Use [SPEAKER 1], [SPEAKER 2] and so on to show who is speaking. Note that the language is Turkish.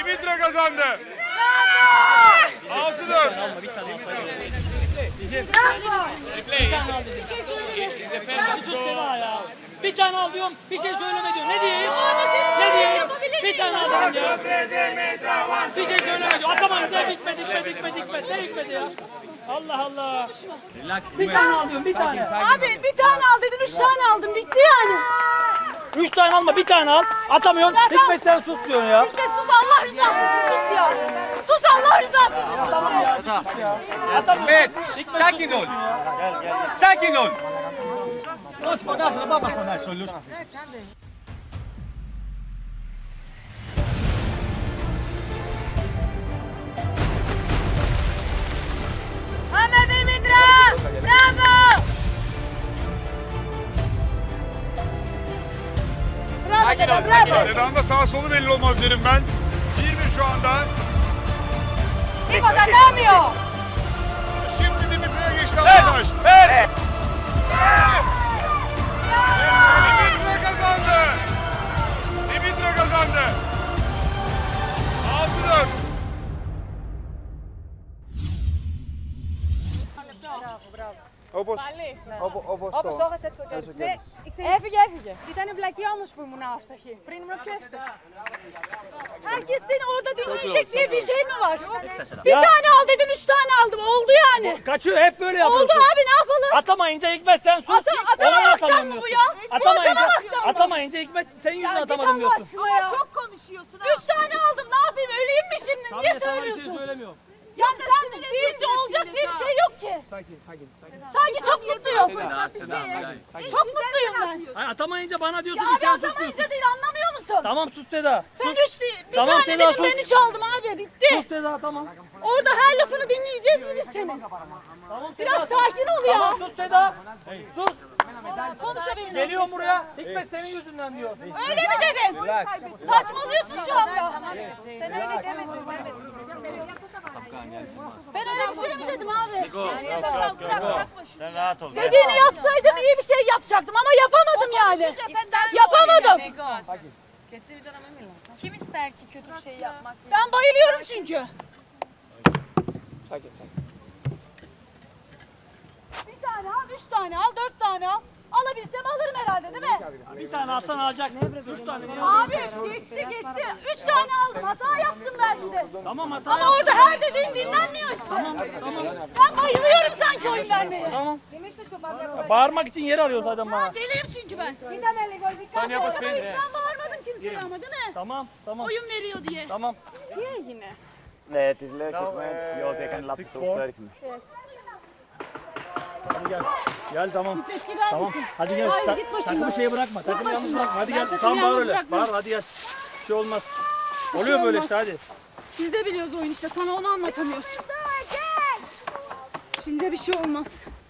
[SPEAKER 1] Dimitra kazandı. 6-4.
[SPEAKER 2] Bravo. Bir tane al. Bir tane al diyorum, bir şey söyleme diyor. Ne diyeyim? Ne diyeyim? Bir tane al dedim ya. Bir şey söyleme diyor. Atamayınca bitmedi. Ne bitmedi ya? Allah Allah. Bir tane al diyorum, bir tane.
[SPEAKER 3] Abi bir tane al dedin, 3 tane aldım. Bitti yani.
[SPEAKER 2] 3 tane alma, bir tane al. Atamıyorsun. Hikmet sen sus diyorsun ya.
[SPEAKER 3] Hikmet sus, Allah rızası için sus ya. Sus Allah rızası için sus.
[SPEAKER 2] Tamam ya, bir sus ya.
[SPEAKER 4] Hikmet, sakin ol. Sakin ol. Lütfen, ne yapmasın lütfen.
[SPEAKER 3] Ahmet Dimitra! Bravo! Bravo.
[SPEAKER 1] Seda'nın da sağ solu belli olmaz derim ben. 1-1 şu anda.
[SPEAKER 3] İbo da demiyor.
[SPEAKER 1] Şimdi Dimitra'ya geçti arkadaş.
[SPEAKER 4] Ver.
[SPEAKER 1] Dimitra kazandı. Dimitra kazandı. 6-4.
[SPEAKER 3] Even. Ήταν βλακή όμως που ήμουν άσταχη. Πριν ήμουν πιο άσταχη. Herkes seni orada dinleyecek diye bir şey mi var? Bir tane al dedin, 3 tane aldım. Oldu yani.
[SPEAKER 2] Kaçıyor, hep böyle yapıyorsun.
[SPEAKER 3] Oldu abi, ne yapalım?
[SPEAKER 2] Atamayınca Hikmet sen sus.
[SPEAKER 3] Atamamaktan mı bu ya?
[SPEAKER 2] Atamayınca Hikmet senin yüzünden atamadım diyorsun.
[SPEAKER 3] Ama çok konuşuyorsun ha. 3 tane aldım, ne yapayım? Öleyim mi şimdi?
[SPEAKER 2] Tamam,
[SPEAKER 3] Niye
[SPEAKER 2] sana bir
[SPEAKER 3] söylüyorsun?
[SPEAKER 2] şey söylemiyorum.
[SPEAKER 3] Yani sen deyince olacak diye bir şey yok ki.
[SPEAKER 2] Sakin.
[SPEAKER 3] Sanki çok mutluyum. Çok mutluyum ben.
[SPEAKER 2] Hayır, atamayınca bana diyorsun
[SPEAKER 3] Ya
[SPEAKER 2] ki
[SPEAKER 3] abi
[SPEAKER 2] sen sus diyorsun.
[SPEAKER 3] atamayınca değil, anlamıyor musun?
[SPEAKER 2] Tamam sus Seda.
[SPEAKER 3] Sen 3 değil, bir
[SPEAKER 2] Tamam,
[SPEAKER 3] tane
[SPEAKER 2] Seda,
[SPEAKER 3] dedim,
[SPEAKER 2] sus.
[SPEAKER 3] beni çaldım abi, bitti.
[SPEAKER 2] Sus Seda, tamam.
[SPEAKER 3] Orada her lafını dinleyeceğiz mi biz senin?
[SPEAKER 2] Tamam Seda.
[SPEAKER 3] Biraz sakin ol ya.
[SPEAKER 2] Tamam sus Seda. Sus.
[SPEAKER 3] Konuşabilirim.
[SPEAKER 2] Geliyorum buraya. Hikmet senin yüzünden diyor.
[SPEAKER 3] Öyle mi dedim? Saçmalıyorsun şu anda.
[SPEAKER 5] Sen öyle demedin.
[SPEAKER 3] Ben öyle bir şey mi dedim abi?
[SPEAKER 4] Sen rahat ol.
[SPEAKER 3] Dediğini yapsaydım iyi bir şey yapacaktım ama yapamadım yani. Yapamadım.
[SPEAKER 5] Kim ister ki kötü bir şey yapmak?
[SPEAKER 3] Ben bayılıyorum çünkü. Bir tane al, 3 tane al, 4 tane al. Alabilsem alırım herhalde değil mi?
[SPEAKER 2] Bir tane alsan alacaksın. 3 tane niye?
[SPEAKER 3] Abi geçti. 3 tane aldım. Hata yaptım belki de.
[SPEAKER 2] Tamam hata
[SPEAKER 3] Ama
[SPEAKER 2] yap.
[SPEAKER 3] orada her dediğin dinlenmiyor işte. Ben bayılıyorum sanki oyun vermeye.
[SPEAKER 2] Tamam. Ya, bağırmak için yer arıyor zaten bana.
[SPEAKER 3] Deliyim çünkü ben. Orada hiç ben bağırmadım kimseye ama değil mi?
[SPEAKER 2] Tamam.
[SPEAKER 3] Oyun veriyor diye.
[SPEAKER 2] Tamam.
[SPEAKER 3] Niye yine?
[SPEAKER 6] Het is leuk, Hikmet. Jo, je kan laten zo sterk me.
[SPEAKER 2] Hadi gel. Gel tamam.
[SPEAKER 3] Gitmek gider
[SPEAKER 2] Tamam.
[SPEAKER 3] misin?
[SPEAKER 2] Hadi gel.
[SPEAKER 3] Hayır, git başımdan.
[SPEAKER 2] Takımı şeye bırakma. Takımı yalnız
[SPEAKER 3] başımdan.
[SPEAKER 2] bırakma. Hadi
[SPEAKER 3] Ben
[SPEAKER 2] gel.
[SPEAKER 3] takımı
[SPEAKER 2] Tamam bağır
[SPEAKER 3] yalnız
[SPEAKER 2] öyle.
[SPEAKER 3] bırakmam.
[SPEAKER 2] Bağır hadi gel. Bir şey olmaz. Oluyor
[SPEAKER 3] şey
[SPEAKER 2] böyle
[SPEAKER 3] olmaz.
[SPEAKER 2] işte hadi.
[SPEAKER 3] Biz de biliyoruz oyun işte. Sana onu anlatamıyoruz. Şimdi de bir şey olmaz.